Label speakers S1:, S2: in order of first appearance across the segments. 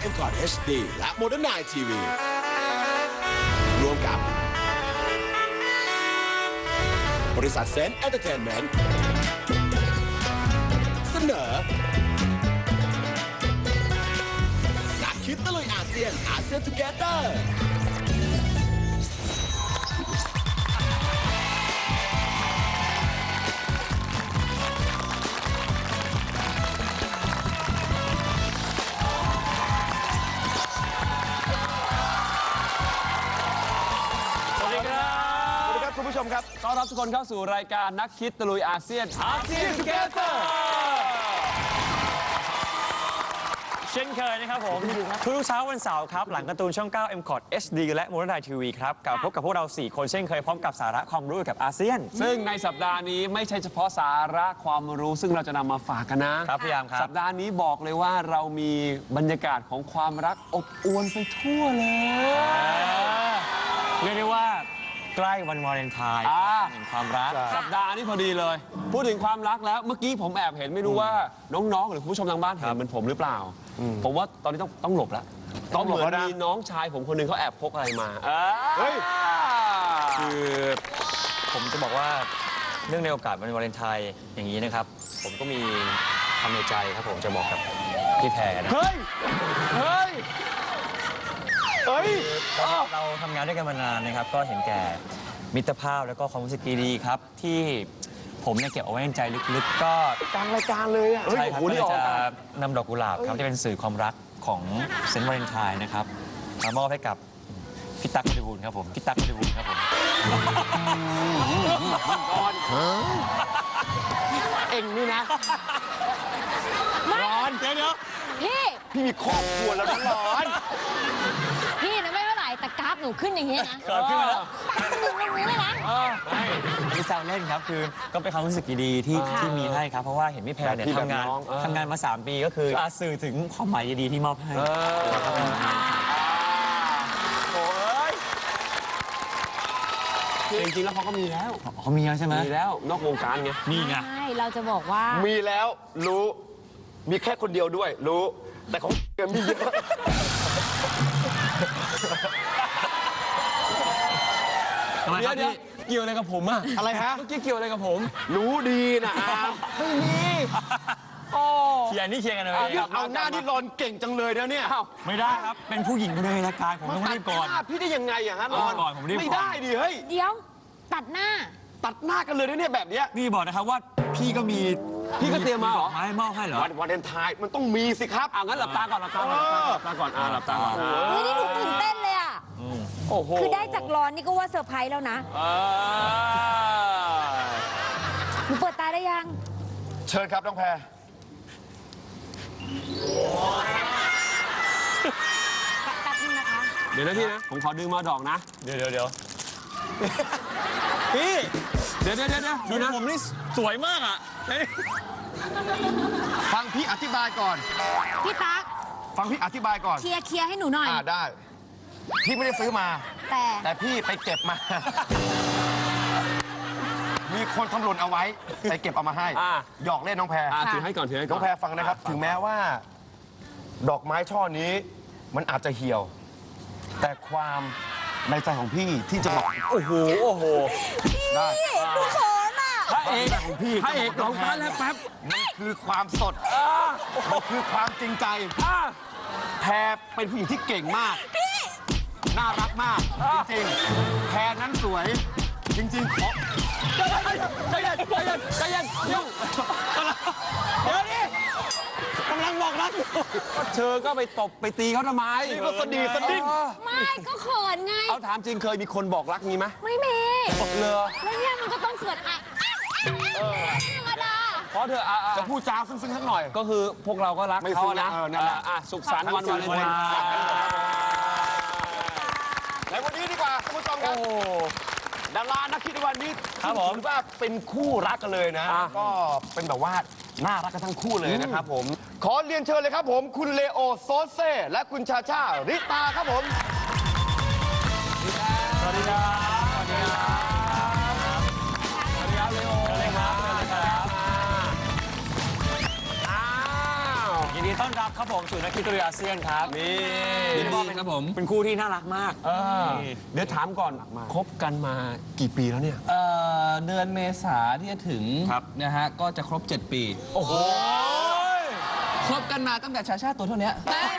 S1: M Cot HD และ Modern Night TV รวมกับบริษัทเซนต์เอนเตอร์เทนเมนต์เสนอนักคิดตะลุยอาเซียนทูเกเตอร์
S2: คุณผู้ชมครับต้อนรับทุกคนเข้าสู่รายการนักคิดตะลุยอาเซียนทูเกเตอร์
S3: เช่นเคยนะครับผมทุกเช้าวันเสาร์ครับหลังการ์ตูนช่อง 9 M Cot HD และ Modern Night TV ครับกลับพบกับพวกเรา 4 คนเช่นเคยพร้อมกับสาระความรู้เกี่ยวกับอาเซียน
S2: ซึ่งในสัปดาห์นี้ไม่ใช่เฉพาะสาระความรู้ซึ่งเราจะนำมาฝากกันนะครับ
S3: พี่ยามครับ
S2: สัปดาห์นี้บอกเลยว่าเรามีบรรยากาศของความรักอบอวลไปทั่วเลย
S3: เรียกได้ว่าใกล้วันวาเลนไทน์แห่งความรัก
S2: สัปดาห์นี้พอดีเลยพูดถึงความรักแล้วเมื่อกี้ผมแอบเห็นไม่รู้ว่าน้องๆหรือคุณผู้ชมทางบ้านเห็นเหมือนผมหรือเปล่าผมว่าตอนนี้ต้องหลบแล้วต้องเหมือนมีน้องชายผมคนหนึงเขาแอบพกอะไรมา
S3: เฮ้ยคือผมจะบอกว่าเนื่องในโอกาสวันวาเลนไทน์อย่างนี้นะครับผมก็มีคำในใจครับผมจะบอกกับพี่แพรนะ
S2: เฮ้ย
S3: เราทำงานด้วยกันมานานนะครับก็เห็นแก่มิตรภาพแล้วก็ความรู้สึกดีๆครับที่ผมเนี่ยเก็บเอาไว้ในใจลึกๆก็
S2: กลางรายการเลยอ่ะ
S3: ใช่ครับก็เลยจะนำดอกกุหลาบครับที่เป็นสื่อความรักของเซนต์วาเลนไทน์นะครับมามอบให้กับพี่ตั๊กบริบูรณ์ครับผมพี่ตั๊กบริบูรณ์ครับผม
S2: เอ็งนี่นะร้อนเดี๋ยวพี่มีครอบครัวแล้วนะร้อน
S4: พี่นะไม่เท่าไหร่แต่กราฟหนูขึ้นอย่างเงี้ยนะ
S3: ขึ้นมาแล้ว
S4: หนึ่งเลยนะ
S3: ไม่แซวเล่นครับคือก็เป็นความรู้สึกดีๆที่มีให้ครับเพราะว่าเห็นพี่แพรเนี่ยทำงานมา3 ปีก็คือสื่อถึงความหมายดีๆที่มอบให้
S2: จริงๆแล้วเขาก็มีแล้ว
S3: เขามีแล้วใช่ไหม
S2: มีแล้วนอกวงการไง
S3: นี่ไง
S4: ใช่เราจะบอกว่า
S2: มีแล้วรู้มีแค่คนเดียวด้วยรู้แต่ของเกินมีเยอะเดี๋ยวเกี่ยวอะไรกับผมอะอะไรฮะเมื่อกี้เกี่ยวอะไรกับผมรู้ดีนะไม่มี
S3: เคลียร์นี่เคลียร์กันเลย
S2: เอาหน้าที่รอนเก่งจังเลยนะเนี่ย
S3: ไม่ได้ครับเป็นผู้หญิงคนในรายการผมต้องรีบก่อน
S2: พี่ได้ยังไงอะฮะรอน
S3: ก่อนผมรีบ
S2: ไม่ได้ดิเฮ้ย
S4: เดี๋ยวตัดหน้า
S2: กันเลยนะเนี่ยแบบเนี้ย
S3: พี่บอกนะครับว่าพี่ก็เตรียมมาเหรอไม่มอบให้เหรอ
S2: วันวาเลนไทน์มันต้องมีสิครับงั้นหลับตาก่อนหลับตาก่อนหลับตาก่อน
S4: เฮ้ยนี่หนูตื่นเต้นเลยอะ
S2: โอ้โห
S4: คือได้จากรอนนี่ก็ว่าเซอร์ไพรส์แล้วนะหนูเปิดตาได้ยัง
S2: เชิญครับน้องแพร
S4: แป๊บนึงนะคะ
S2: เดี๋ยวนะพี่นะผมขอดึงมาดอกนะ
S3: เดี๋ยว
S2: พี่เดี๋ยว
S3: ดูนะผมนี่สวยมากอ่ะ
S2: ฟังพี่อธิบายก่อน
S4: พี่ตั๊ก
S2: ฟังพี่อธิบายก่อน
S4: เคลียร์ให้หนูหน่อย
S2: ได้พี่ไม่ได้ซื้อมาแต่พี่ไปเก็บมามีคนทำหล่นเอาไว้ไปเก็บเอามาให้หยอกเล่นน้องแพรถือให้ก่อนน้องแพรฟังนะครับถึงแม้ว่าดอกไม้ช่อนี้มันอาจจะเหี่ยวแต่ความในใจของพี่ที่จะบอกโอ้โห
S4: ได้ดูเขินอ่ะ
S2: พระเอกของพี่พระเอกของแพรแล้วแป๊บมันคือความสดมันคือความจริงใจแพรเป็นผู้หญิงที่เก่งมากน่ารักมากจริงๆแพรนั้นสวยจริงๆขอใจเย็นเดี๋ยวนี้กำลังบอกรักก็เธอก็ไปตบไปตีเขาทำไมนี่ก็สดีสดิ้ง
S4: ไม่ก็เขินไง
S2: เอาถามจริงเคยมีคนบอกรักงี้ไหม
S4: ไม่มี
S2: เลย
S4: แล้วเนี่ยมันก็ต้องเขินธรรมดา
S2: เพราะเธอจะพูดจาซึ้งๆสักหน่อยก็คือพวกเราก็รักเขานะนั่นแหละสุขสันต์วันวาเลนไทน์ในวันนี้ดีกว่าท่านผู้ชมครับดารานักคิดวันนี้ถือว่าเป็นคู่รักกันเลยนะก็เป็นแบบว่าน่ารักกันทั้งคู่เลยนะครับผมขอเรียนเชิญเลยครับผมคุณเลโอโซเซ่และคุณชาชาริตาครับผมสวัสดีครับเลโอ
S3: ยินดีต้อนรับครับผมสู่นักคิดตุรีอาเซียนครับ
S2: นี่
S5: ยินดีครับผม
S3: เป็นคู่ที่น่ารักมาก
S2: เดี๋ยวถามก่อนคบกันมากี่ปีแล้วเนี่ย
S5: เดือนเมษาที่จะถึง
S2: ครับ
S5: นะฮะก็จะครบ 7 ปี
S2: โอ้โห
S5: คบกันมาตั้งแต่ชาชาตัวเท่านี้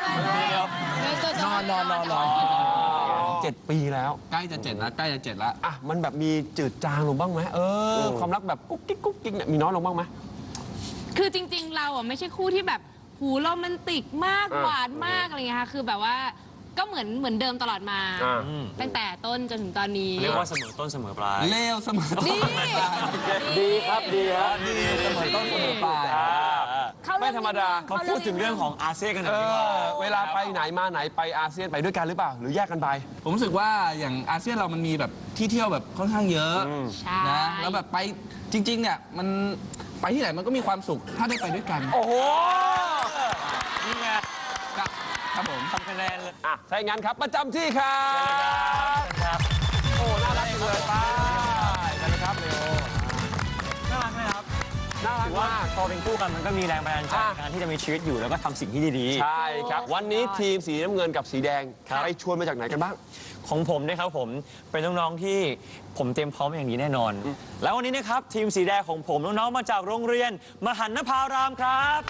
S5: นอน
S2: 7 ปีแล้ว
S5: ใกล้จะ7แล้วใกล้จะ7แล้ว
S2: อ่ะมันแบบมีจืดจางลงบ้างไหมความรักแบบกุ๊กกิ๊กกุ๊กกิ๊กเนี่ยมีน้อยลงบ้างไหม
S4: คือจริงๆ เราอ่ะไม่ใช่คู่ที่แบบหูโรแมนติกมากหวานมากอะไรเงี้ยค่ะคือแบบว่าก็เหมือนเดิมตลอดมา ตั้งแต่ต้นจนถึงตอนนี้
S3: เรียกว่าเสมอต้นเสมอปลาย
S5: เลวเสมอต้น
S4: ดี
S2: ดีครับดีครับ
S5: ดีเสมอต้นเสมอปลาย
S2: ไม่ธรรมดา
S3: เขาพูดถึงเรื่องของอาเซียนกันหน่อยดีกว่า
S2: เวลาไปไหนมาไหนไปอาเซียนไปด้วยกันหรือเปล่า หรือแยกกันไป
S5: ผมรู้สึกว่าอย่างอาเซียนเรามันมีแบบที่เที่ยวแบบค่อนข้างเยอะ
S4: ใช่
S5: นะแล้วแบบไปจริง ๆ เนี่ยมันไปที่ไหนมันก็มีความสุขถ้าได้ไปด้วยกัน
S2: โอ้โห
S3: นี่ไง
S5: ครับผม
S3: ทำคะแนนเลย
S2: อ่ะถ้าอย่างนั้นครับประจำที่ครับ
S3: ครับ
S2: โอ้น่ารักจังเลยไปไปเลยครับเร็ว
S3: น่ารักไหมครับ
S2: น่ารัก
S3: ถือว่าม
S2: าก
S3: พอเป็นคู่กันมันก็มีแรงบันดาลใจในการที่จะมีชีวิตอยู่แล้วก็ทำสิ่งที่ดีๆ
S2: ใช่ครับ วันนี้ทีมสีน้ำเงินกับสีแดง
S3: ครับ
S2: ไปชวนมาจากไหนกันบ้าง
S3: ของผมนะครับผมเป็นน้องๆที่ผมเตรียมพร้อมอย่างดีแน่นอน แล้ววันนี้นะครับทีมสีแดงของผมน้องๆมาจากโรงเรียนมหันนภารามครับ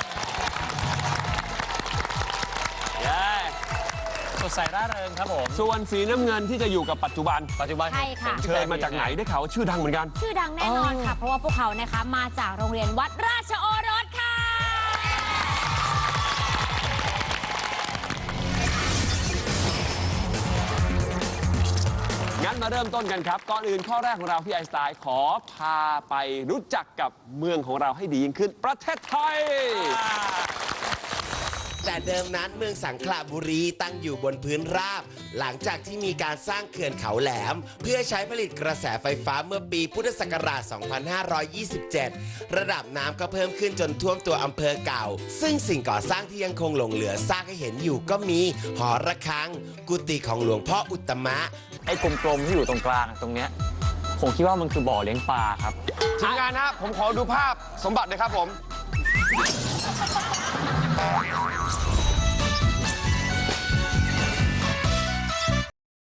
S3: เย้สดใสร่าเริงครับผม
S2: ส่วนสีน้ำเงินที่จะอยู่กับปัจจุบัน
S3: ปัจจุบัน
S4: ใช่ค่ะ
S2: เชิญมาจากไหนได้ข่าวว่าชื่อดังเหมือนกัน
S4: ชื่อดังแน่นอนค่ะ เพราะว่าพวกเขานะคะมาจากโรงเรียนวัดราชโอรสค่ะ
S2: งั้นมาเริ่มต้นกันครับ ก่อนอื่นข้อแรกของเราพี่ไอน์สไตล์ขอพาไปรู้จักกับเมืองของเราให้ดียิ่งขึ้น ประเทศไทย
S6: แต่เดิมนั้นเมืองสังขละบุรีตั้งอยู่บนพื้นราบ หลังจากที่มีการสร้างเขื่อนเขาแหลม เพื่อใช้ผลิตกระแสไฟฟ้าเมื่อปีพุทธศักราช 2527 ระดับน้ำก็เพิ่มขึ้นจนท่วมตัวอำเภอเก่า ซึ่งสิ่งก่อสร้างที่ยังคงหลงเหลือซากให้เห็นอยู่ก็มีหอระฆัง กุฏิของหลวงพ่ออุตตมะ
S3: ไอ้กลมๆที่อยู่ตรงกลางตรงเนี้ยผมคิดว่ามันคือบ่อเลี้ยงปลาครับ
S2: ทีมงานนะผมขอดูภาพสมบัติเลยครับผม